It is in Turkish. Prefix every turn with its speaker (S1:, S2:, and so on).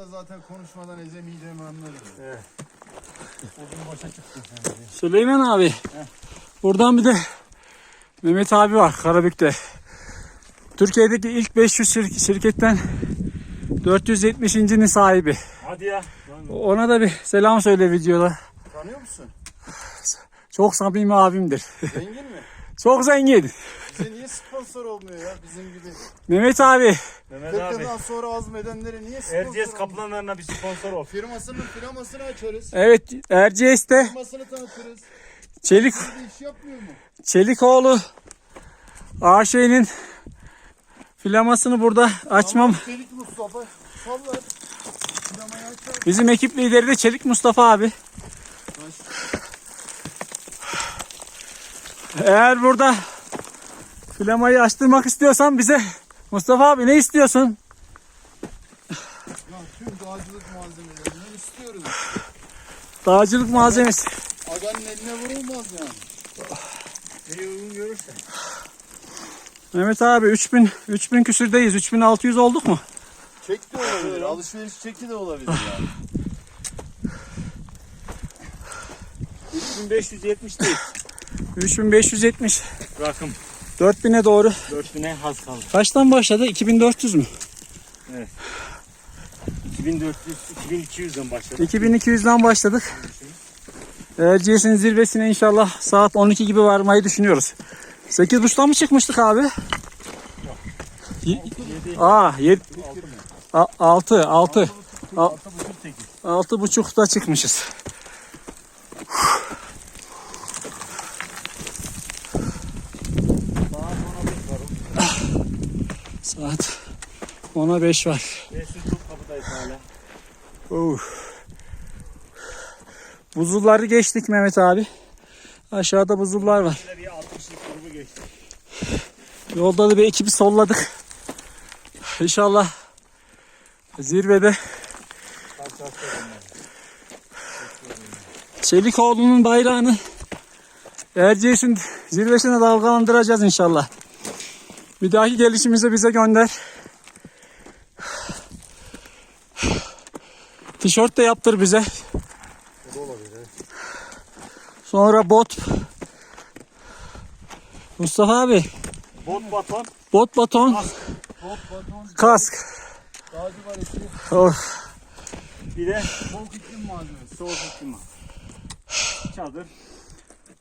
S1: da zaten konuşmadan ezemeyeceğimi anladım. Evet. O gün başa çıktın sen de.
S2: Süleyman abi. Heh. Buradan bir de Mehmet abi var Karabük'te. Türkiye'deki ilk 500 şirketten 470.'nin sahibi.
S3: Hadi ya.
S2: Ona da bir selam söyle videoda.
S1: Tanıyor musun?
S2: Çok samimi abimdir.
S1: Zengin mi?
S2: Çok zengin.
S1: Bize niye sponsor olmuyor ya bizim gibi?
S2: Mehmet abi.
S3: Mehmet abi.
S1: 40 yıldan sonra azmedenlere niye sponsor
S3: Erciyes
S1: olmuyor?
S3: kaplanlarına bir sponsor ol.
S1: Firmasını açarız.
S2: Evet, Erciyes'te
S1: Firmasını tanıtırız.
S2: Çelik
S1: Bir iş yapmıyor mu?
S2: Çelikoğlu AŞ'nin filamasını burada açmam.
S1: Çelik Mustafa sallar. Firmayı açar.
S2: Bizim ekip lideri de Çelik Mustafa abi. Eğer burada filamayı açtırmak istiyorsan bize Mustafa abi ne istiyorsun?
S1: Ya tüm dağcılık malzemelerinden istiyoruz.
S2: Dağcılık malzemesi.
S1: Aganın eline vurulmaz yani. Neyi uygun görürsen.
S2: Mehmet abi 3000 küsürdeyiz. 3600 olduk mu?
S1: Çek de olabilir. Alışveriş çeki de olabilir yani.
S3: 3570 değil.
S2: 3570.
S3: Rakım.
S2: 4000'e doğru.
S3: 4000'e az kaldı.
S2: Kaçtan başladı? 2400 mü?
S3: Evet. 2400, 2200'den başladık.
S2: 2200'den başladık. Erciyes'in zirvesine inşallah saat 12 gibi varmayı düşünüyoruz. 8.30'dan mı çıkmıştık abi? 6. 6.30'da çıkmışız. Saat 10'a 5 var.
S3: Kapıdayız hala.
S2: Buzulları geçtik Mehmet abi. Aşağıda buzullar var.
S3: Bir 60'lık grubu geçti.
S2: Yolda da bir ekibi solladık. İnşallah zirvede Çelikoğlu'nun bayrağını Erciyes'in zirvesine dalgalandıracağız inşallah. Bir dahaki gelişimizi bize gönder. Tişört de yaptır bize. Sonra bot. Mustafa abi.
S3: Bot baton.
S2: Bot baton.
S1: Bot, baton,
S2: Kask.
S1: dağcı baresi,
S2: Of.
S3: Bir de
S1: soğuk iklim malzemesi.
S3: soğuk iklim. Çadır.